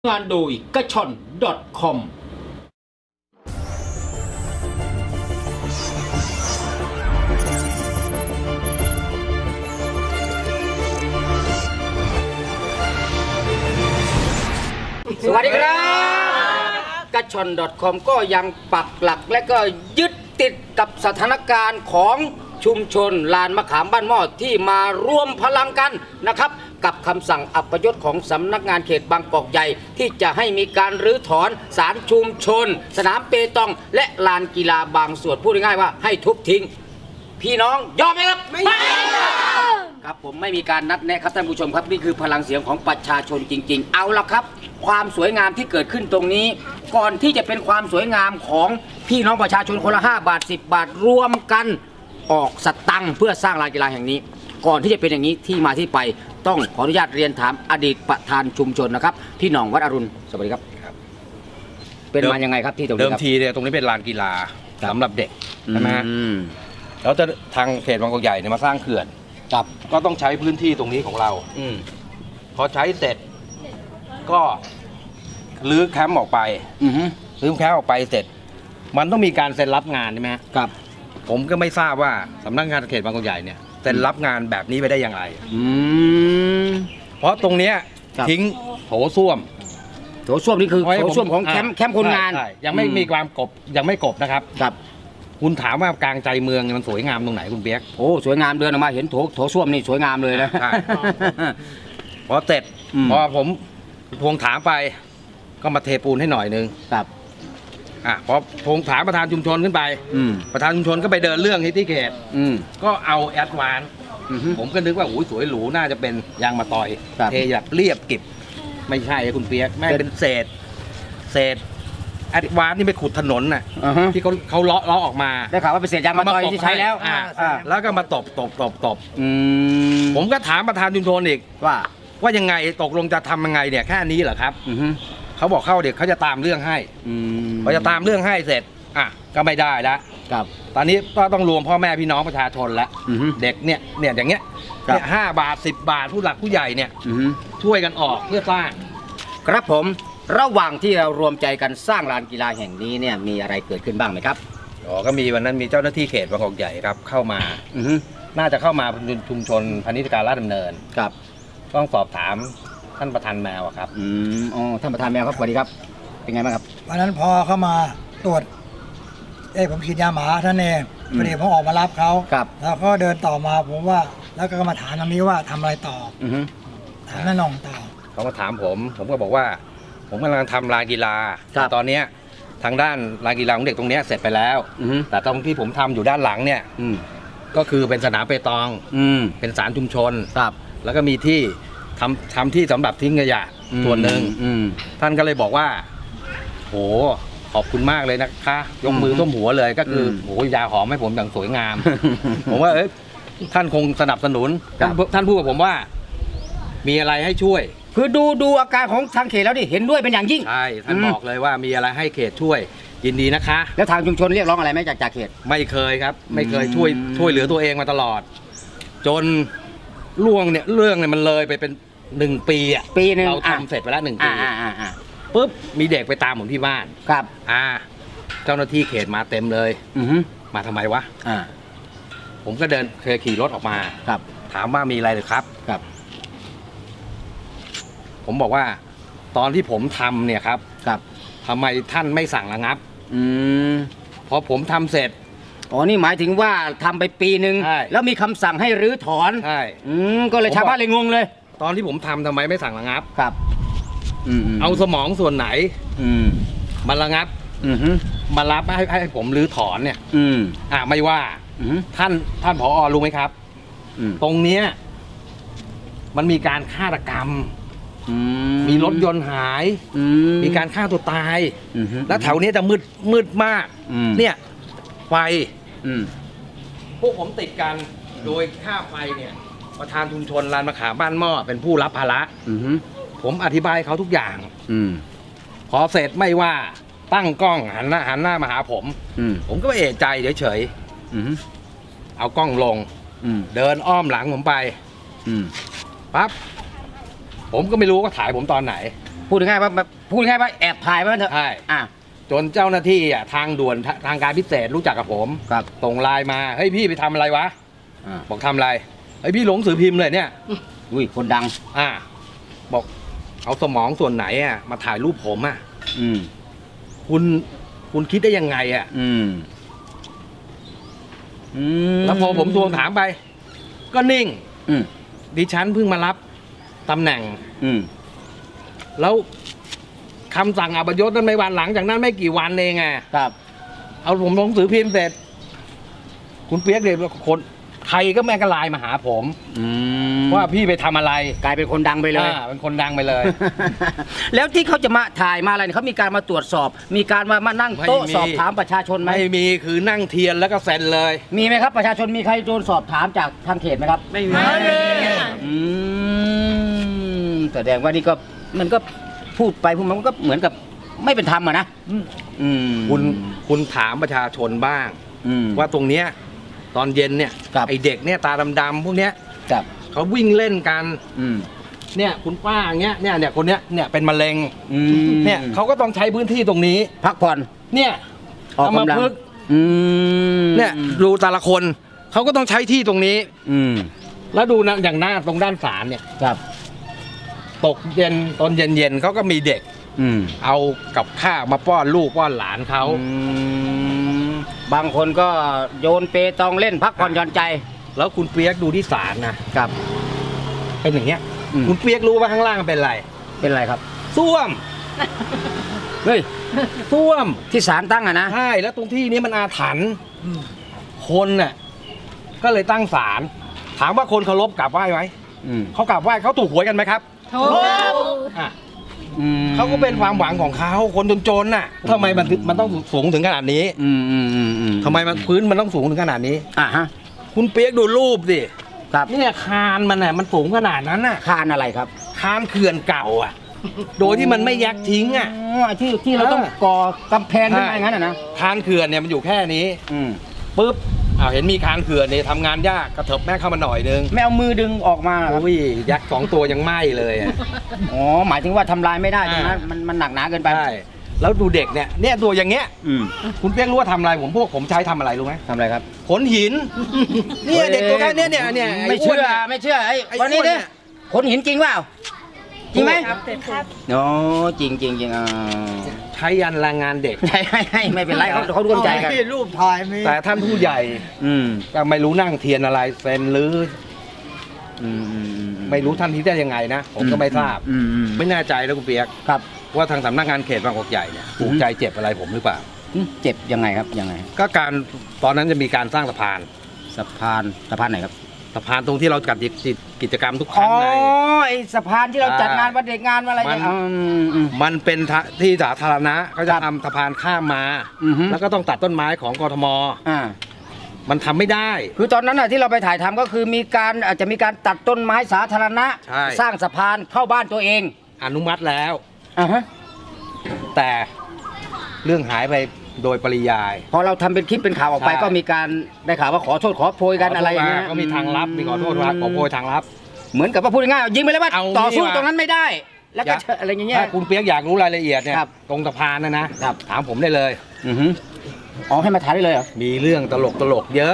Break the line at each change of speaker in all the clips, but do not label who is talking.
งานโดยกระชอน .com สวัสดีครับกระชอน .com ก็ยังปักหลักและก็ยึดติดกับสถานการณ์ของชุมชนลานมะขามบ้านหม้อที่มารวมพลังกันนะครับกับคำสั่งอัปยศของสำนักงานเขตบางกอกใหญ่ที่จะให้มีการรื้อถอนศาลชุมชนสนามเปตองและลานกีฬาบางส่วนพูดง่ายๆว่าให้ทุบทิ้งพี่น้องยอมไหมครับไม่ครับผมไม่มีการนัดแนะครับท่านผู้ชมครับนี่คือพลังเสียงของประชาชนจริงๆเอาละครับความสวยงามที่เกิดขึ้นตรงนี้ก่อนที่จะเป็นความสวยงามของพี่น้องประชาชนคนละ5 บาท 10 บาทรวมกันออกสตังค์เพื่อสร้างลานกีฬาแห่งนี้ก่อนที่จะเป็นอย่างนี้ที่มาที่ไปต้องขออนุญาตเรียนถามอดีตประธานชุมชนนะครับพี่หน่องวัดอรุณสวัสดีครับเป็นมายังไงครับที่ตรงนี้ครับ
เดิมทีเนี่ยตรงนี้เป็นลานกีฬาสำหรับเด็กใช่ไหมฮะแล้วจะทางเขตบางกอกใหญ่เนี่ยมาสร้างเขื่อนครับก็ต้องใช้พื้นที่ตรงนี้ของเราพอใช้เสร็จก็รื้อแคมป์ออกไปรื้อแคมป์ออกไปเสร็จมันต้องมีการเซ็นรับงานใช่ไหมครับผมก็ไม่ทราบว่าสำนักงานเขตบางกอกใหญ่เนี่ยเซ็นรับงานแบบนี้ไปได้อย่างไรเพราะตรงเนี้ยทิ้งโถส้วม
นี่คือโถส้วมของแคมป์คนงาน
ยังไม่มีความกบยังไม่กบนะครับคุณถามว่ากลางใจเมืองมันสวยงามตรงไหนคุณเปียก
โอ้สวยงามเดินออกมาเห็นโถส้วมนี่สวยงามเลยนะ
พอเสร็จพอผมทวงถามไปก็มาเทปูนให้หน่อยนึง
ครับ
พอทวงถามประธานชุมชนขึ้นไปประธานชุมชนก็ไปเดินเรื่องที่เขตก็เอาแอดวานผมก็นึกว่าโอ้ยสวยหรูน่าจะเป็นยางมะตอยเทแบบเรียบกิบไม่ใช่คุณเปียกแม่เป็นเศษแอดวานนี่ไปขุดถนนน่ะที่เขาเลาะออกมา
ได้ข่าวว่าเป็นเศษยางมะตอยที่ใช้แล้ว
แล้วก็มาตบผมก็ถามประธานชุมชนอีกว่ายังไงตกลงจะทำยังไงเนี่ยแค่นี้เหรอครับเขาบอกเข้าเด็กเขาจะตามเรื่องให้พอจะตามเรื่องให้เสร็จก็ไม่ได้แล้วตอนนี้ก็ต้องรวมพ่อแม่พี่น้องประชาชนแล้วเด็กเนี่ยอย่างเงี้ย5 บาท 10 บาทผู้หลักผู้ใหญ่เนี่ยช่วยกันออกเพื่อสร้าง
ครับผมระหว่างที่เรารวมใจกันสร้างลานกีฬาแห่งนี้เนี่ยมีอะไรเกิดขึ้นบ้างไหมครับ
ก็มีวันนั้นมีเจ้าหน้าที่เขตบางกอกใหญ่ครับเข้ามาน่าจะเข้ามาชุมชนพาณิชยการลาดดำเนิน
ครับ
ต้องสอบถามท่านประธานแมวครับ
ท่านประธานแมวครับสวัสดีครับเป็นไงบ้างครับ
วันนั้นพอเข้ามาตรวจผมฉีดยาหมาท่านเองพอดีผมออกมารับเขาแล้วก็เดินต่อมาผมว่าแล้วก็มาถามตรงนี้ว่าทำอะไรต่อถามน้าหน่องต่อ
เขามาถามผมก็บอกว่าผมกำลังทำลานกีฬาตอนนี้ทางด้านลานกีฬาของเด็กตรงนี้เสร็จไปแล้วแต่ตรงที่ผมทำอยู่ด้านหลังเนี่ยก็คือเป็นสนามเปตองเป็นศาลชุมชนแล้วก็มีที่ทำที่สำหรับทิ้งขยะส่วนหนึ่งท่านก็เลยบอกว่าโหขอบคุณมากเลยนะคะยกมือท่วมหัวเลยก็คือโหยาหอมให้ผมอย่างสวยงามผมว่าท่านคงสนับสนุนท่านพูดกับผมว่ามีอะไรให้ช่วย
คือดูอาการของทางเขตแล้วดิเห็นด้วยเป็นอย่างยิ่ง
ใช่ท่านบอกเลยว่ามีอะไรให้เขตช่วยยินดีนะคะ
แล้วทางชุมชนเรียกร้องอะไรไหมจากเขต
ไม่เคยครับไม่เคยช่วยเหลือตัวเองมาตลอดจนเรื่องเนี่ยมันเลยไปเป็น1 ปี
ปีนึง
เราทำเสร็จไปแล้ว1 ปีปุ๊บมีเด็กไปตามผมที่บ้าน
ครับ
เจ้าหน้าที่เขตมาเต็มเลยมาทำไมวะผมก็เคยขี่รถออกมาถามว่ามีอะไรหรือครับผมบอกว่าตอนที่ผมทำเนี่ยครับทำไมท่านไม่สั่งระงับพอผมทำเสร็จ
นี่หมายถึงว่าทำไปปีนึงแล้วมีคำสั่งให้รื้อถอน
ใช่
ก็เลยชาวบ้านเลยงงเลย
ตอนที่ผมทำไมไม่สั่งระงับ
เอา
สมองส่วนไหนมาระงับมารับให้ผมรื้อถอนเนี่ยไม่ว่าท่านผอ.รู้ไหมครับตรงเนี้ยมันมีการฆาตกรรมมีรถยนต์หายมีการฆ่าตัวตายแล้วแถวนี้จะมืดมากเนี่ยไฟพวกผมติดกันโดยค่าไฟเนี่ยประธานชุมชนลานมะขามบ้านหม้อเป็นผู้รับภาระผมอธิบายเขาทุกอย่างพอเสร็จไม่ว่าตั้งกล้องหันหน้ามาหาผมก็ไม่เอะใจเฉยๆเอากล้องลงเดินอ้อมหลังผมไปปั๊บผมก็ไม่รู้ว่าถ่ายผมตอนไหน
พูดง่ายๆว่าแอบถ่ายไว้มันเถอะ
ใช่
อ่ะ
จนเจ้าหน้าที่อ่ะทางด่วนทางการพิเศษรู้จักกับผม
ครับ
ส่งไลน์มาเฮ้ยพี่ไปทำอะไรวะ
อ่า
บอกทำอะไรเฮ้ยพี่หลงสือพิมพ์เลยเนี่ย
อุ้ยคนดัง
บอกเอาสมองส่วนไหนอ่ะมาถ่ายรูปผมอ่ะ
อืม
คุณคิดได้ยังไงอ่ะ
อืมอืม
แล้วพอผมทวงถามไป ก็นิ่ง
อืม
ดิฉันเพิ่งมารับตำแหน่ง
อืม
แล้วคำสั่งอัปยศนั้นไม่วันหลังจากนั้นไม่กี่วันเองไง
ครับ
เอาผมลงสือพิมพ์เสร็จ คุณเปียกเด็กคนใครก็แม่งก็ไลน์มาหาผม
อืม
ว่าพี่ไปทำอะไร
กลายเป็นคนดังไปเลย
เป็นคนดังไปเลย
แล้วที่เขาจะมาถ่ายมาอะไรเนี่ยเขามีการมาตรวจสอบ มีการมานั่งโต๊ะ
ไม่มี
สอบถามประชาชนไหม
ไม่มีคือนั่งเทียนแล้วก็เซ็นเลย
มีไหมครับประชาชนมีใครโดนสอบถามจากทางเขตไหมครับ
ไม่มี
อืมแสดงว่านี่ก็มันก็พูดไปพูดมามันก็เหมือนกับไม่เป็นธรรมอะนะอืม
คุณถามประชาชนบ้าง
อืม
ว่าตรงเนี้ยตอนเย็นเนี่ย
ครับ
ไอเด็กเนี่ยตาดำๆพวกเนี้ย
ครับ
เขาวิ่งเล่นกัน
อืม
เนี่ยคุณป้าอย่างเงี้ยเนี่ยคนเนี้ยเนี่ยเป็นมะเร็ง
อืม
เนี่ยเขาก็ต้องใช้พื้นที่ตรงนี้
พักผ่อน
เนี่ย
ออก
เอามาก
ำลัง
พึกษ์
อืม
เนี่ยดูแต่ละคนเขาก็ต้องใช้ที่ตรงนี้
อืม
แล้วดูนะอย่างหน้าตรงด้านศาลเนี่ย
ครับ
ตกเย็นตอนเย็นๆเขาก็มีเด็ก
อืม
เอากับข้าวมาป้อนลูกป้อนหลานเขา
อืมบางคนก็โยนเปตองเล่นพักผ่อนหย่อนใจ
แล้วคุณเปียกดูที่ศาลนะครับ เป็นอย่างเงี้ย
อืม
คุณเปียกรู้ว่าข้างล่างมันเป็นอะไร
เป็นไรครับ
ส้วม
เฮ้ย
ส้วม
ที่ศาลตั้งอะนะ
ใช่แล้วตรงที่นี้มันอาถรรพ์คนน่ะก็เลยตั้งศาลถามว่าคนเคารพกราบไหว้ไหม
อืม
เขากราบไหว้เขาถูกหวยกันไหมครับถูกอ่ะ
อืม
เขาก็เป็นความหวังของเขาคนจนๆน่ะทำไมมันต้องสูงถึงขนาดนี้
อืมอืมอืมอืม
ทำไมมันพื้นมันต้องสูงถึงขนาดนี้
อ่ะฮะ
คุณเปียกดูรูปสิ
ครับ
เนี่ยคานมันน่ะมันสูงขนาดนั้นน่ะ
คานอะไรครับ
คานเขื่อนเก่าอ่ะ โดยที่มันไม่ยักทิ้งอ่ะ
อ๋อที่เราต้องก่อกำแพงขึ้นมาอย่างนั้นอะนะ
คานเขื่อนเนี่ยมันอยู่แค่นี้
อืม
ปุ๊บเห็นมีคานเขื่อนเนี่ยทำงานยากกระเถิบแม่เข้ามาหน่อยนึง
ไม่เอามือดึงออกมาเหรอครับ
โอ้ยยักษ์สองตัวยังไหม้เลยอะ
อ๋อหมายถึงว่าทำลายไม่ได้ตรงนั้นมันหนักหนาเกินไป
ใช่แล้วดูเด็กเนี่ยตัวอย่างเงี้ย
อืม
คุณเปียกรู้ว่าทำอะไรผมใช้ทำอะไรรู้ไหม
ทำอะไรครับ
ขนหินเนี่ยเด็กตัวแค่เนี้ยเนี่ย
ไม่เชื่อไม่เชื่อไอ้
ไอ้
วันนี้
อ้วนเนี่
เนี่ย ขนหินจริงเปล่าจริงไหม
ครับ
อ๋อจริงจริงจริงอ่า
ใช้ยันแรงงานเด็ก
ให้ไม่เป็นไรเขาร่วมใจกัน
ที่รูปถ่ายมี
แต่ท่านผู้ใหญ่
อืม
ก็ไม่รู้นั่งเทียนอะไรเซ็นหรือ
อืมอืมอืม
ไม่รู้ท่านที่ได้ยังไงนะ ผมก็ไม่ทราบ
อืมอืม
ไม่แน่ใจแล้วคุณเปียก
ครับ
ว่าทางสำนักงานเขตบางกอกใหญ่เนี่ยถูกใจเจ็บอะไรผมหรือเปล่า
เจ็บยังไงครับยังไง
ก็การตอนนั้นจะมีการสร้างสะพาน
สะพานไหนครับ
สะพานตรงที่เราจัดกิจกรรมทุกค
อ๋
รั้
อง
ใน
ไอสะพานที่เราจัดงานวันเด็กงานวันอะไรเนี่ย
มันเป็นที่สาธารณะก็จะ
ครับ
ทำสะพานข้ามมา
อือฮึ
แล้วก็ต้องตัดต้นไม้ของกทม
อ่า
มันทำไม่ได้
คือตอนนั้นน่ะที่เราไปถ่ายทำก็คือมีการอาจจะมีการตัดต้นไม้สาธารณะ
ใช่
สร้างสะพานเข้าบ้านตัวเอง
อนุมัติแล้ว
อ่าฮะ
แต่เรื่องหายไปโดยปริยาย
พอเราทำเป็นคลิปเป็นข่าวออกไป
ใช่
ก็มีการได้ข่าวว่าขอโทษขอโพยกันอะไรอย่างเงี้ย
ก็มีทางลับมีขอโทษว่าขอโพยทางลับ
เหมือนกับว่าพูดง่ายๆยิงไปเลยว่า
เอา
ต่อสู้
นี่ว่ะ
ตรงนั้นไม่ได้ แล้วก็อะไรอย่างเงี้ย
ถ้าคุณเปียกอยากรู้รายละเอียดเนี่ย
ครับ
ตรงสะพานนะครับ ถามผมได้เลย
อือฮึอ๋อให้มาถ่ายได้เลยเหรอ
มีเรื่องตลกเยอะ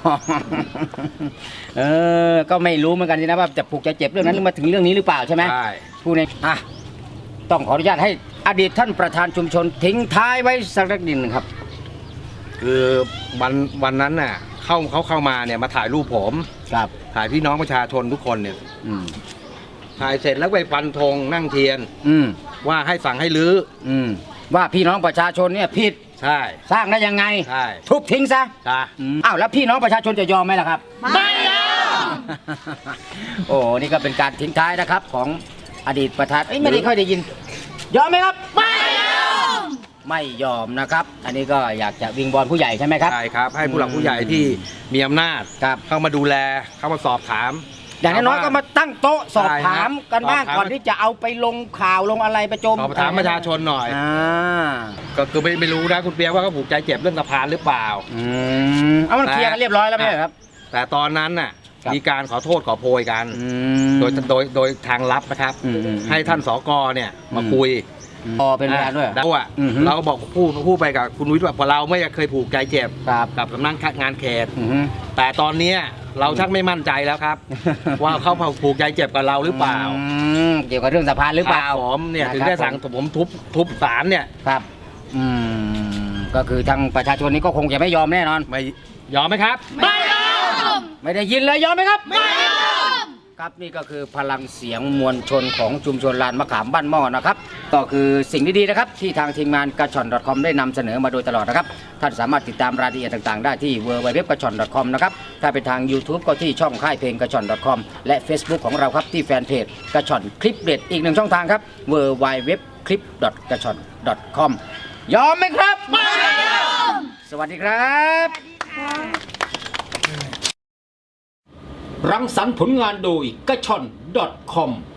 ก็ไม่รู้เหมือนกันสินะว่าจะผูกจะเจ็บเรื่องนั้นหรือมาถึงเรื่องนี้หรือเปล่าใช่ไหม
ใช่
ผู้ในต้องขออนุญาตให้อดีตท่านประธานชุมชนทิ้งท้ายไว้สักนิดหนึ่งครับ
คือวันนั้นน่ะเขาเข้ามาเนี่ยมาถ่ายรูปผม
ครับ
ถ่ายพี่น้องประชาชนทุกคนเนี่ย
อืม
ถ่ายเสร็จแล้วไปฟันธงนั่งเทียน
อืม
ว่าให้สั่งให้รื้อ
อืมว่าพี่น้องประชาชนเนี่ยผิด
ใช่
สร้างได้ยังไง
ใช่
ทุบทิ้งซะ
จ้า
อ้าวแล้วพี่น้องประชาชนจะยอมไหมล่ะครับ ไม่ยอม โอ้นี่ก็เป็นการทิ้งท้ายนะครับของอดีตประธานไม่ได้ค่อยได้ยิน ยอมไหมครับ ไม่ยอม ไม่ยอมนะครับ อันนี้ก็อยากจะวิงบอลผู้ใหญ่ใช่ไหมครับ
ใช่ครับ ให้ผู้หลักผู้ใหญ่ที่มีอำนาจ
ครับ
เข้ามาดูแลเข้ามาสอบถาม
อย่างน้อยๆก็มาตั้งโต๊ะสอบ
ใช่ครับ
ถามกันบ้าง
สอบถาม
ก่อนที่จะเอาไปลงข่าวลงอะไรไปโจม
สอบถามประชาชนหน่อย
อ่า
ก็คือไม่รู้นะคุณเปียกว่าเขาผูกใจเจ็บเรื่องสะพานหรือเปล่า
เอามันเคลียร์กันเรียบร้อยแล้วไม่ใช่เหรอครับ
แต่ตอนนั้นน่ะ
ครับ
มีการขอโทษขอโพยกัน
โด
โดยทางลับนะครับ
อืม
ให้ท่านสกเนี่ยมาคุย
พอเป็นพยานด้วย
เราอ่ะ
อือฮึ
เราก็บอกพูดไปกับคุณวิทย์ว่าพอเราไม่เคยผูกใจเจ็บ
ครับ
กับสำนักงานเขต
อือฮึ
แต่ตอนเนี้ยเราชักไม่มั่นใจแล้วครับ ว่าเขาผูกใจเจ็บกับเราหรือเปล่า
เกี่ยวกับเรื่องสะพานหรือเปล่า
ครับผมเนี่ย
นะครับ
ถึงได้สั่งผมทุบศาลเนี่ย
ครับก็คือทางประชาชนนี้ก็คงจะไม่ยอมแน่นอน
ไม่ยอมไหมครับ
ไม่ได้ยินเลยยอมไหมครับไม่ยอมครับนี่ก็คือพลังเสียงมวลชนของชุมชนลานมะขามบ้านหม้อนะครับก็คือสิ่งดีๆนะครับที่ทางทีมงานกระชอน .com ได้นำเสนอมาโดยตลอดนะครับท่านสามารถติดตามรายละเอียดต่างๆ ได้ที่ www.gachon.com นะครับถ้าเป็นทาง YouTube ก็ที่ช่องค่ายเพลงกระชอน .com และ Facebook ของเราครับที่แฟนเพจกระชอนคลิปเด็ดอีกหนึ่งช่องทางครับ www.clip.gachon.com ยอมไหมครับไม่ยอมสวัสดีครับรังสรรค์ผลงานโดยกระชอน .com